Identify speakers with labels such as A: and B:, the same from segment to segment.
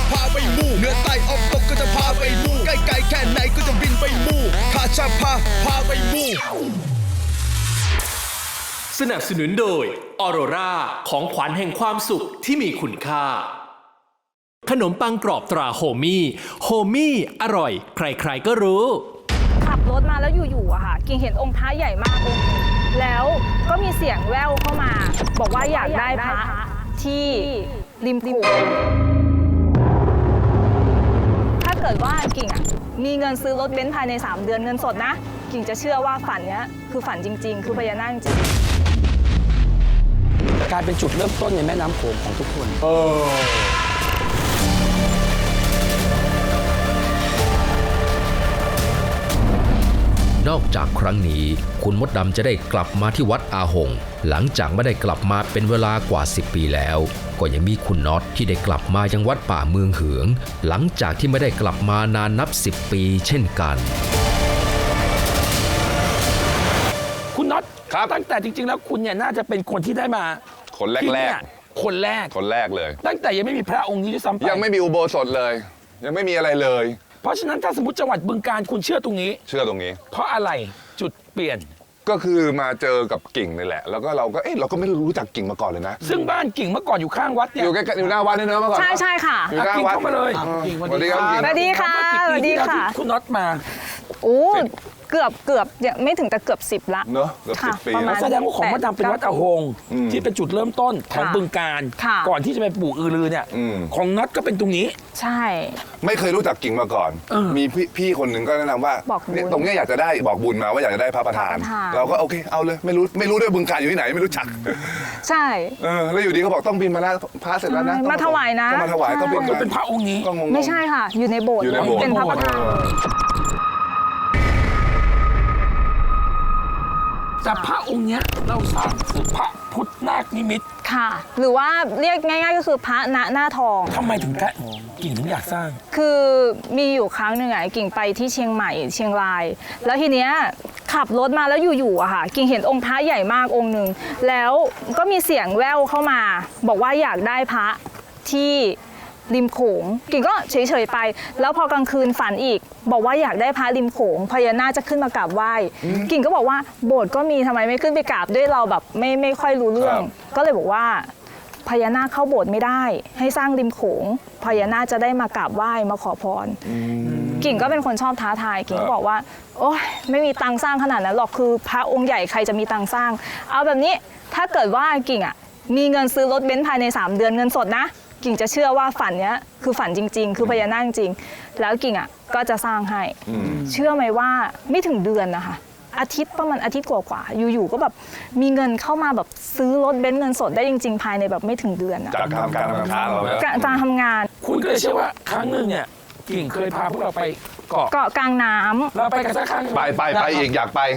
A: พาไปมู่เหนือใต้ออกตกก็จะพาไปมู่ใกล้ๆแค่ไหนก็จะบินไปมู่ข้าจะพาไปมู่
B: สนับสนุนโดยออโรราของขวัญแห่งความสุขที่มีคุณค่าขนมปังกรอบตราโฮมี่อร่อยใครๆก็รู้
C: ขับรถมาแล้วอยู่ๆอะค่ะกิ่งเห็นองค์พระใหญ่มากองค์นึงแล้วก็มีเสียงแว่วเข้ามาบอกว่าอยากได้พระที่ริมโขงถ้าเกิดว่ากิ่งอะมีเงินซื้อรถเบนซ์ภายใน3 เดือนเงินสดนะกิ่งจะเชื่อว่าฝันเนี้ยคือฝันจริงๆคือพญานาคจริง
D: กลายเป็นจุดเริ่มต้นในแม่น้ำโขงของทุกคน
E: นอกจากครั้งนี้คุณมดดำจะได้กลับมาที่วัดอาหงหลังจากไม่ได้กลับมาเป็นเวลากว่า10 ปีแล้วก็ยังมีคุณน็อตที่ได้กลับมายังวัดป่าเมืองเหืองหลังจากที่ไม่ได้กลับมานานนับ10 ปีเช่นกัน
D: คุณน็อตตั้งแต่จริงๆแล้วคุณเนี่ยน่าจะเป็นคนที่ได้มา
F: คนแรก
D: คนแรก
F: เลย
D: ตั้งแต่ยังไม่มีพระองค์นี้ด้วยซ้ำไป
F: ยังไม่มีอุโบสถเลยยังไม่มีอะไรเลย
D: เพราะฉะนั้นถ้าสมมติจังหวัดบึงกาฬคุณเชื่อตรงนี้เพราะอะไรจุดเปลี่ยน
F: ก็คือมาเจอกับกิ่งนี่แหละแล้วก็เราก็ไม่รู้จักกิ่งมาก่อนเลยนะ
D: ซึ่งบ้านกิ่งเมื่อก่อนอยู่ข้างวัดเนี่ย
F: อยู่ใกล้ๆอยู่หน้าวัดนี่เนอะเมื่อก่อน
C: ใช่ค่ะ
F: อยู่หน้าวัด
D: เข้ามาเลย
F: สวัสดีครับ
C: สวัสดีค่ะสวัสดีค่ะ
D: คุณน็อตมา
C: โอ้เกือบไม่ถึงแต่เกือบ10ละ
F: เนอะเกือบ10 ปี
D: แสดงว่าของมดดำเป็นวัดอาหงที่เป็นจุดเริ่มต้นของบึงกาฬก่อนที่จะไปปลูกอือรือเนี่ยของน็อตก็เป็นตรงนี้
C: ใช่
F: ไม่เคยรู้จักกิ่งมาก่อนมีพี่คนหนึ่งก็แนะนำว่าตรงนี้อยากจะได้บอกบุญมาว่าอยากจะได้พระประธานเราก็โอเคเอาเลยไม่รู้ด้วยบึงกาฬอยู่ที่ไหนไม่รู้จัก
C: ใช่
F: แล้วอยู่ดีเขาบอกต้องบินมาแล้วพระเสร็จแล้วนะ
C: มาถวายนะ
F: มาถวายต้องบิน
D: เป็นพระองค์นี้
C: ไม่ใช่ค่ะอยู่ในโบสถ์เป็นพระประธาน
D: แต่พระองค์เนี้ยเราสร้างคือพระพุทธนาคนิมิต
C: ค่ะหรือว่าเรียกง่ายๆก็คือพระณหน้าทอง
D: ทำไมถึงกิ่งถึงอยากสร้าง
C: คือมีอยู่ครั้งหนึ่งอ่ะกิ่งไปที่เชียงใหม่เชียงรายแล้วทีเนี้ยขับรถมาแล้วอยู่ๆอะค่ะกิ่งเห็นองค์พระใหญ่มากองค์นึงแล้วก็มีเสียงแว่วเข้ามาบอกว่าอยากได้พระที่ริมโขงกิ่งก็เฉยๆไปแล้วพอกลางคืนฝันอีกบอกว่าอยากได้พระริมโขงพญานาคจะขึ้นมากราบไหว้กิ่งก็บอกว่าโบสถ์ก็มีทำไมไม่ขึ้นไปกราบด้วยเราแบบไม่ค่อยรู้เรื่องก็เลยบอกว่าพญานาคเข้าโบสถ์ไม่ได้ให้สร้างริมโขงพญานาคจะได้มากราบไหว้มาขอพรกิ่งก็เป็นคนชอบท้าทายกิ่งก็บอกว่าโอ๊ยไม่มีตังค์สร้างขนาดนั้นหรอกคือพระองค์ใหญ่ใครจะมีตังค์สร้างเอาแบบนี้ถ้าเกิดว่ากิ่งอ่ะมีเงินซื้อรถเบนซ์ภายใน3 เดือนเงินสดนะกิ่งจะเชื่อว่าฝันเนี้ยคือฝันจริงๆคือพญานาคจริงแล้วกิ่งอ่ะก็จะสร้างให้เชื่อไหมว่าไม่ถึงเดือนนะคะประมาณอาทิตย์กว่าๆอยู่ๆก็แบบมีเงินเข้ามาแบบซื้อรถเบนซ์เงินสดได้จริงๆภายในแบบไม่ถึงเดือน
F: จากการทำงานเรา
C: การทำงาน
D: คุณก็เลยเชื่อว่าครั้งหนึ่งเนี่ยกิ่งเคยพาพวกเราไปเกาะ
C: กลางน้ำ
D: เราไปกันสักครั้ง
F: ไปอีกอยากไป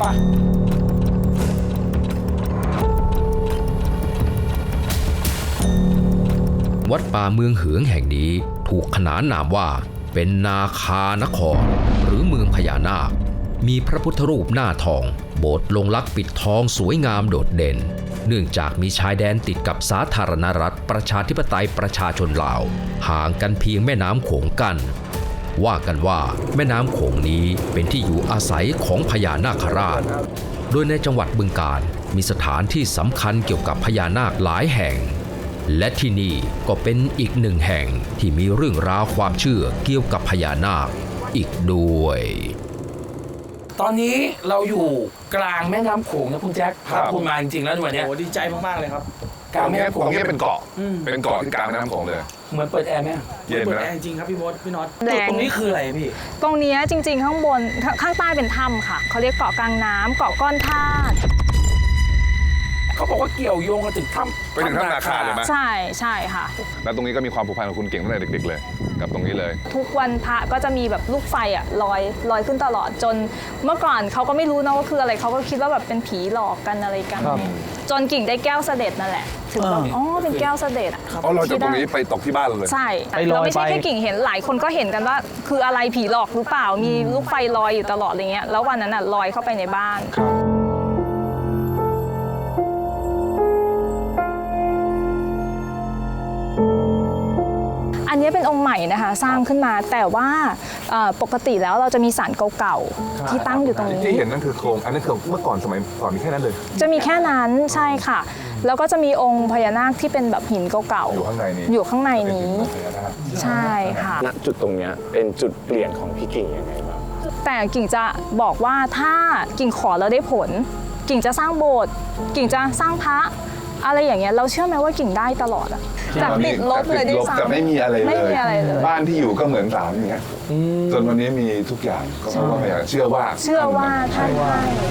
E: วัดป่าเมืองเหืองแห่งนี้ถูกขนานนามว่าเป็นนาคานครหรือเมืองพญานาคมีพระพุทธรูปหน้าทองโบสถ์ลงลักษ์ปิดทองสวยงามโดดเด่นเนื่องจากมีชายแดนติดกับสาธารณรัฐประชาธิปไตยประชาชนลาวห่างกันเพียงแม่น้ำโขงกั้นว่ากันว่าแม่น้ำโขงนี้เป็นที่อยู่อาศัยของพญานาคราชโดยในจังหวัดบึงกาฬมีสถานที่สำคัญเกี่ยวกับพญานาคหลายแห่งและที่นี่ก็เป็นอีกหนึ่งแห่งที่มีเรื่องราวความเชื่อเกี่ยวกับพญานาคอีกด้วย
D: ตอนนี้เราอยู่กลางแม่น้ำโขงนะคุณแจ็คพาคุณมาจริงๆแล้ววันนี้
G: โอ้ดีใจมากๆเลยครับ
F: กลางแม่น้ำโขงนี่เป็นเกาะที่กลางแม่น้ำโขงเลย
D: เหมือนเปิดแอร์ไหม
F: เย็น
G: เปิด
F: นะ
G: แอร์จริงครับพี่มดพี่น็อตตรงนี้คืออะไรพี่
C: ตรงนี้จริงๆข้างบนข้างใต้เป็นถ้ำค่ะเขาเรียกเกาะกลางน้ำเกาะก้อนธาตุ
D: เขาบอกว่าเกี่ยวโยงกันถึงถ้ำ
F: ไปถึงถ้ำนาคาเลยไหม
C: ใช่ค่ะ
F: แล้วตรงนี้ก็มีความผูกพันกับคุณเก่งตั้งแต่เด็กๆเลยกับตรงนี้เลย
C: ทุกวันพระก็จะมีแบบลูกไฟอ่ะลอยขึ้นตลอดจนเมื่อก่อนเขาก็ไม่รู้นะว่าคืออะไรเขาก็คิดว่าแบบเป็นผีหลอกกันอะไรกันจนกิ่งได้แก้วเสด็จนั่นแหละถึงแบบอ๋อเป็นแก้วเสด็จ
F: เราจากตรงนี้ไปตกที่บ้านเลย
C: ใช่เราไม่ใช่แค่กิ่งเห็นหลายคนก็เห็นกันว่าคืออะไรผีหลอกหรือเปล่ามีลูกไฟลอยอยู่ตลอดอะไรเงี้ยแล้ววันนั้นอ่ะลอยเข้าไปในบ้านอันนี้เป็นองค์ใหม่นะคะสร้างขึ้นมาแต่ว่าปกติแล้วเราจะมีศาลเก่าๆที่ตั้งอยู่ตรงนี้
F: ที่เห็นนั่นคือโครงอันนั้นคือเมื่อก่อนสมัยก่อนมีแค่นั้นเลย
C: จะมีแค่นั้นใช่ค่ะ แล้วก็จะมีองค์พญานาคที่เป็นแบบหินเก่าๆ
F: อยู่ข้างในนี้
C: อยู่ข้างในนี้ ใช่ค่ะ
H: ณจุดตรงเนี้ยเป็นจุดเปลี่ยนของพี่กิ่งยังไงบ้าง
C: แต่กิ่งจะบอกว่าถ้ากิ่งขอแล้วได้ผล กิ่งจะสร้างโบสถ์กิ่งจะสร้างพระอะไรอย่างเงี้ยเราเชื่อไหมว่ากิ่งได้ตลอดอะจากติดลบเลยด้วยซ้ำ
F: แต่ไม่มีอะไรเลย
C: ไม่มีอะไรเลย
F: บ้านที่อยู่ก็เหมือนศาลอย่างเงี้ยจนวันนี้มีทุกอย่างก็เพราะว่าพญาเชื่อว่า
C: เชื่อว่าท่านให้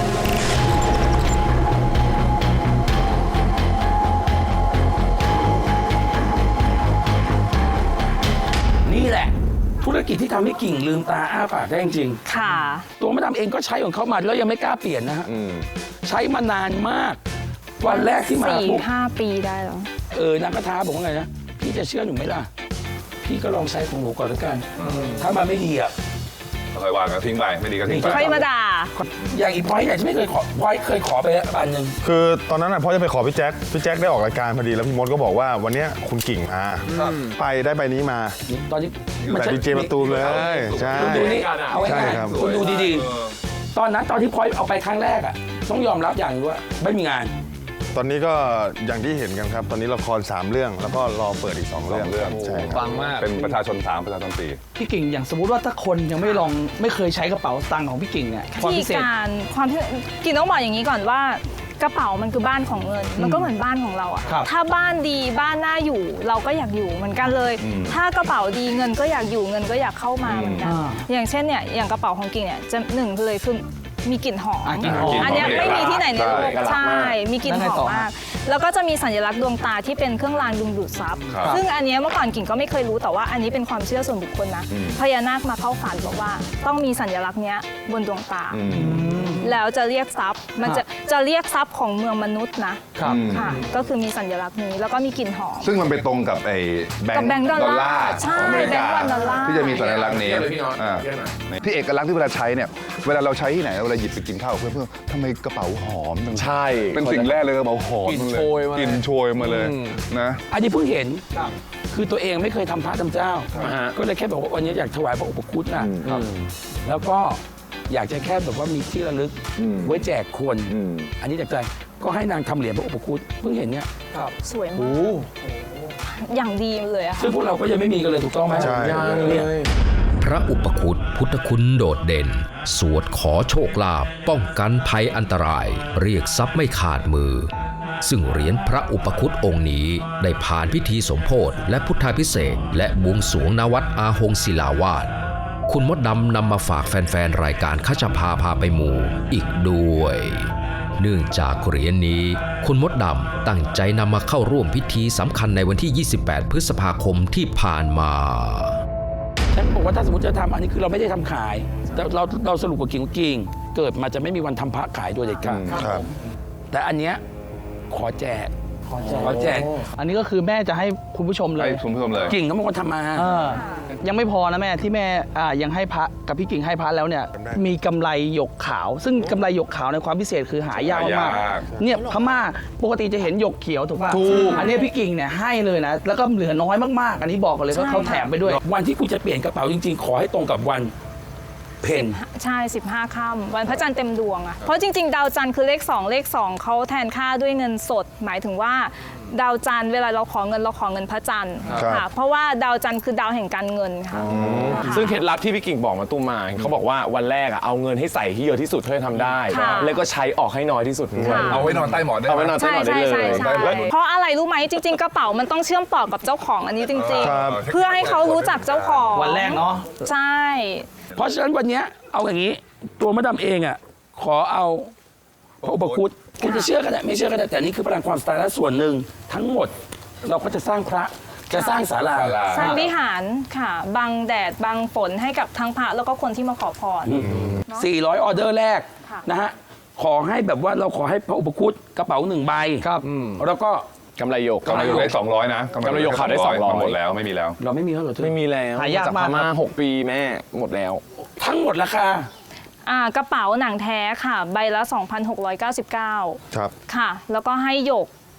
D: นี่แหละ ธุรกิจที่ทำให้กิ่งลืมตาอ้าปากได้จริง
C: ค่ะ
D: ๆตัวมะดามเองก็ใช้ของเขามาแล้วยังไม่กล้าเปลี่ยนนะฮะใช้มานานมาก วันแรกที่มาปุ๊บ
C: 4-5 ปีได้แล้ว
D: นางก็ท้าบอกว่าไงนะพี่จะเชื่อหนูไหมล่ะพี่ก็ลองใช้ของหนูก่อนแล้วกันถ้ามันไม่ดีอ่ะ
F: ค่อยวางกันทิ้งไปไม่ดีก็ทิ้งไป
C: ค่อยมาด่า
D: อย่างอีพอยต์เนี่ยจะไม่เคยขอพอยต์เคยขอไปแล้วอันหนึ่ง
I: คือตอนนั้นพ่อจะไปขอพี่แจ็คได้ออกรายการพอดีแล้วพี่มดก็บอกว่าวันเนี้ยคุณกิ่งมาไปได้ใบนี้มา
D: ตอนนี้
I: แต่ดีเจมาตูมเลยใช่
D: คุณดูนี่เอา
I: ใช่
D: ง่าย
I: ครับ
D: ๆคุณดูดีๆตอนนั้นตอนที่พอยต์เอาไปครั้งแรกอ่ะต้องยอมรับอย่างว่าไม่มีงาน
I: ตอนนี้ก็อย่างที่เห็นกันครับ ตอนนี้ละคร3 เรื่องแล้วก็รอเปิดอีก2 เรื่อง
F: เรื่อง
I: ใช่ครับ
H: ฟังมาก
F: เป็นประชาชน3ประชาชน4
G: พี่กิ่งอย่างสมมุติว่าถ้าคนยังไม่ลองไม่เคยใช้กระเป๋าสตางค์ของพี่กิ่งเนี่ยความ
C: ที่
G: พิเศษ
C: การความที่กิ่งต้องบอกอย่างนี้ก่อนว่ากระเป๋ามันคือบ้านของเงิน มันก็เหมือนบ้านของเราอะ
G: ครับ
C: ถ้าบ้านดีบ้านน่าอยู่เราก็อยากอยู่เหมือนกันเลย ถ้ากระเป๋าดีเงินก็อยากอยู่เงินก็อยากเข้ามาเหมือนกันอย่างเช่นเนี่ยอย่างกระเป๋าของกิ่งเนี่ยจะหนึ่งเลยคือมีกลิ่นหอม
G: กลิ่นหอม
C: อันเนี้ยไม่มีที่ไหนในโลก
H: ใช่
C: ใช่ มีกลิ่นหอมมาก แล้วก็จะมีสัญลักษณ์ดวงตาที่เป็นเครื่องรางดึงดูดทรัพย์ ซึ่งอันเนี้ยเมื่อก่อนกิ่งก็ไม่เคยรู้แต่ว่าอันนี้เป็นความเชื่อส่วนบุคคลนะพญานาคมาเข้าฝันบอกว่าต้องมีสัญลักษณ์เนี้ยบนดวงตา แล้วจะเรียกทรัพย์มันจะเรียกทรัพย์ของเมืองมนุษย์นะค่ะก็คือมีสัญลักษณ์นี้แล้วก็มีกลิ่นหอม
F: ซึ่งมันไปตรงกับไอ้แบง
C: กับแบงค์
F: ค์
C: ดอลลาร์
F: ของ
C: ใช่
F: อเมริกา
C: แบงค์ดอลลาร์
F: ที่จะมีสัญลักษณ์นี้
H: เยอะเลยพี่น้อย
F: อ่า
H: เยอะหน่อย
F: ที่เอกลักษณ์ที่เวลาใช้เนี่ยเวลาเราใช้ที่ไหนเวลาหยิบไปกินข้าวกับเพื่อนๆทำไมกระเป๋าหอมจัง
H: ใช่
F: เป็นสิ่งแรกเลยกระเป๋าหอม
H: กลิ่น
F: เลย
H: โชยมาเลย
F: กลิ่นโชยมาเลยนะ
D: อันนี้เพิ่งเห็นคือตัวเองไม่เคยทำพระทำเจ้า
H: ฮะ
D: ก็เลยแค่บอกว่าวันนี้อยากถวายพระอุปคุตน่ะแล้วก็อยากจะแค่แบบว่ามีที่ระลึกไว้แจกคน อันนี้จากใจก็ให้นางทำเหรียญพระอุปคุตเพิ่งเห็นเนี่ย
C: สวยมากอย่างดีเลยอะค่ะ
D: ซึ่งพวกเราก็ยังไม่มีกันเลยถูกต้องไหม
I: ใช่
D: เนี่ย
E: พระอุปคุตพุทธคุณโดดเด่น สวดขอโชคลาภป้องกันภัยอันตราย เรียกทรัพย์ไม่ขาดมือ ซึ่งเหรียญพระอุปคุตองค์นี้ได้ผ่านพิธีสมโภชและพุทธาภิเษกและบวงสรวงณวัดอาหงศิลาวาสคุณมดดำนำมาฝากแฟนๆรายการขจพาพาไปหมู่อีกด้วย เนื่องจากเหรียญนี้คุณมดดำตั้งใจนำมาเข้าร่วมพิธีสำคัญในวันที่ 28 พฤษภาคมที่ผ่านมา
D: ฉันบอกว่าถ้าสมมติจะทำอันนี้คือเราไม่ได้ทำขายแต่เราสรุปกับกิ่งว่ากิ่งเกิดมาจะไม่มีวันทำพระขายโดยเด็ดขาด
I: ครับ
D: แต่อันเนี้ยขอแจก
G: อันนี้ก็คือแม่จะให้คุณผู้ชมเล
F: ให้
G: ย
F: คุณผู้ชมเลย
D: กิ่งเขาเป็นคนทำมา
G: ยังไม่พอนะแม่ที่แม่ยังให้พระกับพี่กิ่งให้พระแล้วเนี่ยมีกำไรหยกขาว ซึ่งกำไรหยกขาวในความพิเศษคือหายากมาก
F: หายาก
G: เนี่ยพม่าปกติจะเห็นหยกเขียวถูกป่ะ
F: ถูก
G: อันนี้พี่กิ่งเนี่ยให้เลยนะแล้วก็เหลือน้อยมากๆ อันนี้บอกกันเลยว่าเขาแถมไปด้วย
D: วันที่คุณจะเปลี่ยนกระเป๋าจริงๆ ขอให้ตรงกับวันเพ็ญ
C: ใช่ 15 ค่ำวันพระจันทร์เต็มดวงอะเพราะจริงๆ ดาวจันทร์คือเลข 2 เลข 2เขาแทนค่าด้วยเงินสด หมายถึงว่าดาวจันทร์เวลาเราขอเงินพระจันทร์
I: ครับ
C: ค่ะเพราะว่าดาวจันทร์คือดาวแห่งการเงินค่ะ
H: ซึ่งเคล็ดลับที่พี่กิ่งบอกมาตุ้มมาเขาบอกว่าวันแรกอะเอาเงินให้ใส่ที่เยอะที่สุดเท่าที่ทำได้
C: ค่ะ
H: แล้วก็ใช้ออกให้น้อยที่สุดด้วย
C: ค่ะ
F: เอาไว้นอนใต้หมอนได้ไหม
H: เอาไว้นอน
C: ใช่ใช่ใช่ใช่
F: แล้ว
C: เพราะอะไรรู้ไหมจริง ๆ กระเป๋ามันต้องเชื่อมต่อกับเจ้าของอันนี้จริง
I: ครับ
C: ๆ เพื่อให้เขารู้จักเจ้าของ
G: วันแรกเนาะ
C: ใช่
D: เพราะฉะนั้นวันเนี้ยเอาอย่างนี้ ตัวมะดำเองอ่ะขอเอาพระอุปคุตคุณจะเชื่อก็ได้ไม่เชื่อก็ได้แต่นี่คือพลังความสไตล์และส่วนหนึ่งทั้งหมดเราก็จะสร้างพระจะสร้างศาลา
C: สร้างวิหารค่ะบังแดดบังฝนให้กับทั้งพระแล้วก็คนที่มาขอพร
D: 400 ออเดอร์แรก
C: ค่ะ
D: นะฮะขอให้แบบว่าเราขอให้พระอุปคุตกระเป๋า1 ใบ
H: ครับ
D: แล้วก็
H: กำไรหยก
F: กำไรอยู่ได้200นะ
H: กำไรหยกขาวได้200
F: หมดแล้วไม่มีแล้ว
D: เราไม่มีแล้วเหรอเธอ
H: ไม่มีแล้ว
G: หายาก
H: จาก
G: มาก
H: พม่า6 ปีแม่หมดแล้ว
D: ทั้งหมดราคา
C: กระเป๋าหนังแท้ค่ะ ใบละ 2,699
I: ครับ
C: ค่ะ แล้วก็ให้หยก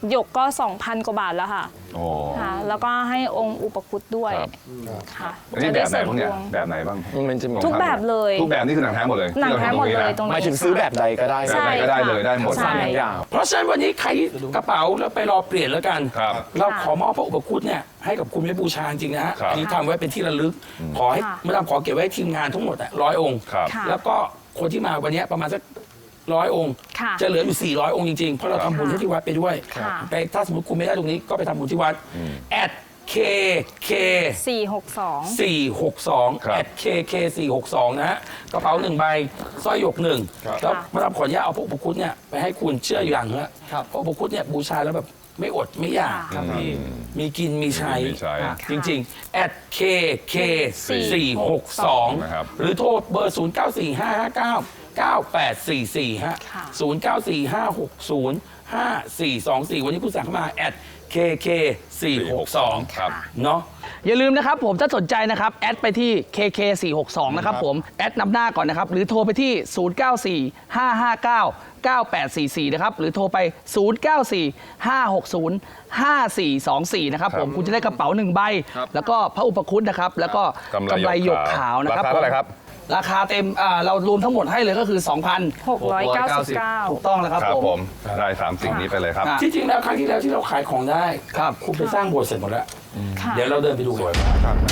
C: หยกก็ 2,000 กว่าบาทแล้วค่ะ
F: โอ้
C: ค่ะแล้วก็ให้องค์อุปคุตด้วย
F: ครับ
C: ค่ะ
F: อันนี้แบบไหนบ้างเนี่ยแบบไหนบ้าง
H: มันจะมี
C: ทุกแบบเลย
F: ทุกแบบนี่คือหนังแท้หมดเลย
C: หนังแท้หมดเลยตรงนี้
H: หมายถึงซื้อแบบใดก็ได้
C: ใช่
F: แบบไหนก็ได้เลยได้หมด
C: ใช่
H: ทุกอย่าง
D: เพราะฉะนั้นวันนี้ใครกระเป๋าแล้วไปรอเปลี่ยนแล้วกัน
F: ครับ
D: เราขอมอบพระอุปคุตเนี่ยให้กับคุณไว้บูชาจริงนะฮะ
F: ครับ
D: อันนี้ทำไว้เป็นที่ระลึก ขอให้
C: ค่ะ
D: มาดามขอเก็บไว้ให้ทีมงานทั้งหมด100 องค์
F: ครับ
C: ค่ะ
D: แล้วก็คนที่มาวันนี้ประมาณสัก100 องค์
C: ค่ะ
D: จะเหลืออยู่ 400 องค์จริงๆ เพราะเราทำบุญให้ที่วัดไปด้วย
C: ค่ะ
D: ไปถ้าสมมติคุณไม่ได้ตรงนี้ก็ไปทำบุญที่วัด@KK
C: 462
D: 462
F: ครับ
D: @KK 462นะฮะกระเป๋า1ใบสร้อยหยก1
F: ครับ
D: แล้วมาดามขออนุญาตเอาพระอุปคุตเนี่ยไปให้คุณเชื่ออย่างฮะพระอุปคุตเนี่ยบูชาแล้วแบบไม่อดไม่อยากครับพี่มีกินมีใช้
F: มีใช้
D: จริงๆ@KK 462
F: นะครับ
D: หรือโทรเบอร์ 094559 9844 ฮะ
C: ค่ะ
D: 0945605424 วันนี้คุณสั่งเข้ามา@KK 462
F: ครับ
D: เนาะ
G: อย่าลืมนะครับผมถ้าสนใจนะครับแอดไปที่ KK462 นะครับผมแอดนำหน้าก่อนนะครับหรือโทรไปที่ 0945599844 นะครับหรือโทรไป 0945605424 นะครับผมคุณจะได้กระเป๋า1ใบแล้วก็พระอุปคุตนะครับแล้วก็กำไรหยกขาวนะครับ
F: ราคาเท่าไหร่ครับ
G: ราคาเต็มเรารวมทั้งหมดให้เลยก็คือ 2,699 ถูกต้องแล้วครับ
F: ครับ
G: ผ
F: ผม มได้3สิ่งนี้ไปเลยครับ
G: ค่ะ
D: ที่จริงแล้วครั้งที่แล้วที่เราขายของได้ครับคุณไปสร้างโบสถ์เสร็จหมดแล้ว
C: ค่ะ
D: เดี๋ยวเราเดินไปดูกัน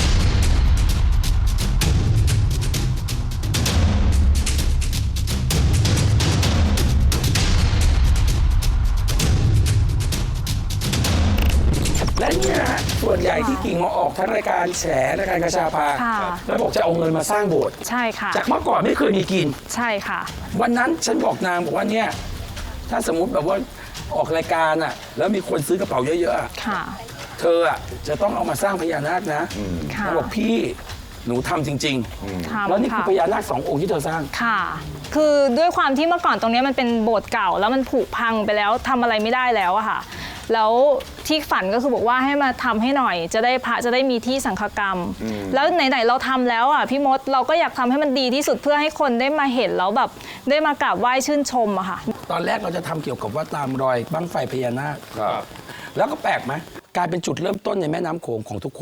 D: และเนี่ยนะฮะส่วนใหญ่ที่กิ่งมาออกทั้งรายการแฉรายการกระชาพา
C: ค่ะ
D: แล้วบอกจะเอาเงินมาสร้างโบสถ์
C: ใช่ค่ะ
D: จากเมื่อก่อนไม่เคยมีกิน
C: ใช่ค่ะ
D: วันนั้นฉันบอกนางบอกว่าเนี่ยถ้าสมมติแบบว่าออกรายการอ่ะแล้วมีคนซื้อกระเป๋าเยอะๆอะ
C: ค่ะ
D: เธออ่ะจะต้องเอามาสร้างพญานาคนะ
C: ค่ะ
D: เขาบอกพี่หนูทำจริงๆ แล้วนี่คือพญานาค2 องค์ที่เธอสร้าง
C: ค่ะ คือด้วยความที่เมื่อก่อนตรงนี้มันเป็นโบสถ์เก่า แล้วมันผุพังไปแล้วทำอะไรไม่ได้แล้วอะค่ะ แล้วที่ฝันก็คือบอกว่าให้มาทำให้หน่อย จะได้พระจะได้มีที่สังฆกรรม แล้วไหนๆเราทำแล้วอ่ะพี่มดเราก็อยากทำให้มันดีที่สุดเพื่อให้คนได้มาเห็นแล้วแบบได้มากราบไหว้ชื่นชมอะค่ะ
D: ตอนแรกเราจะทำเกี่ยวกับว่าตามรอยบั้งไฟพญานาค
F: ครับ
D: แล้วก็แปลกไหมกลายเป็นจุดเริ่มต้นในแม่น้ำโขงของทุกคน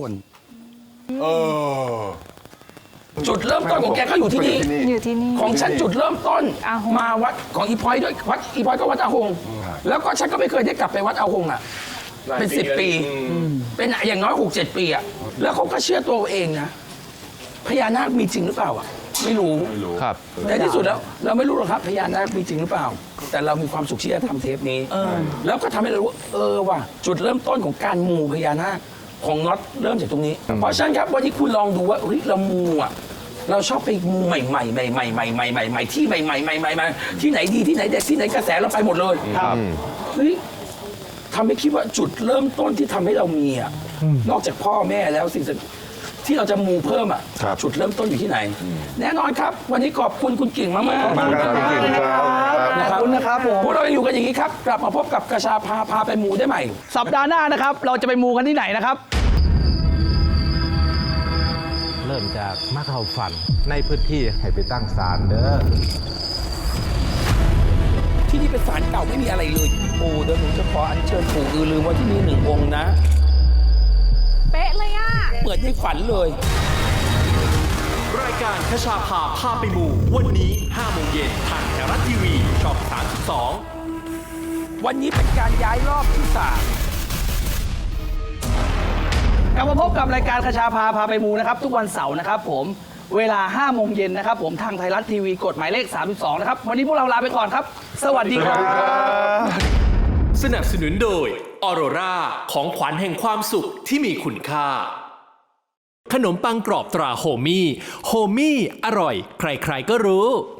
D: จุดเริ่มต้นของแกก็อยู่ที่นี่
C: อยู่ที่นี่
D: ของฉันจุดเริ่มต้น
C: อาหง
D: มาวัดของอีพอยด้วยวัดอีพอยก็วัดอาหง แล้วก็ฉันก็ไม่เคยได้กลับไปวัดอาหงอ่ะเป็น10 ปีเป็นอย่างน้อย6-7 ปีอ่ะแล้วเขาก็เชื่อตัวเองนะพญานาคมีจริงหรือเปล่าอ่ะไม่รู้
H: ครับ
D: ในที่สุดแล้วเราไม่รู้หรอกครับพญานาคมีจริงหรือเปล่า แต่เรามีความสุขที่จะทำเทปนี้แล้วก็ทำให้เรารู้ว่าจุดเริ่มต้นของการมูพญานาคของน็อตเริ่มจากตรงนี้ เพราะฉะนั้นครับวันนี้คุณลองดูว่าเฮ้ยเรามูอ่ะเราชอบไปมูใหม่ๆใหม่ๆใหม่ๆใหม่ๆใหม่ๆที่ใหม่ๆใหม่ๆที่ไหนดีที่ไหนเด็ดที่ไหนกระแสเราไปหมดเลยเฮ้ยทำให้คิดว่าจุดเริ่มต้นที่ทำให้เรามีอ่ะนอกจากพ่อแม่แล้วสิ่งที่เราจะมูเพิ่มอ่ะ
I: ครับ
D: จุดเริ่มต้นอยู่ที่ไหน แน่นอนครับ วันนี้ขอบคุณคุณกิ่งมากๆ
I: ขอบคุณครับคุณกิ่งครับ
D: ขอบคุณนะครับพวกเรายังอยู่กันอย่างนี้ครับ กลับมาพบกับกระชาพาไปมูได้ใหม่
G: สัปดาห์หน้านะครับ เราจะไปมูกันที่ไหนนะครับ
J: เริ่มจากมาเข้าฝันในพื้นที่ให้ไปตั้งศาลเด้อ
D: ที่นี่เป็นศาลเก่าไม่มีอะไรเลยปู่เดี๋ยวหนูจะขออัญเชิญปู่อือลืมไว้ที่นี่1 องค์นะ
C: เป๊ะเลยอ่ะ
D: เหมือนในฝันเลย
B: รายการคชาพาพาไปหมู่วันนี้5 โมงเย็นทางไทยรัฐทีวีช่อง 32
D: วันนี้เป็นการย้ายรอบที่3
G: กลับมาพบกับรายการคชาพาไปมูนะครับทุกวันเสาร์นะครับผมเวลา 5 โมงเย็นนะครับผมทางไทยรัฐทีวีกฎหมายเลข 32 นะครับ วันนี้พวกเราลาไปก่อนครับ สวัสดีครับ
B: สนับสนุนโดยออโรราของขวัญแห่งความสุขที่มีคุณค่า ขนมปังกรอบตราโฮมี่ โฮมี่อร่อย ใครๆก็รู้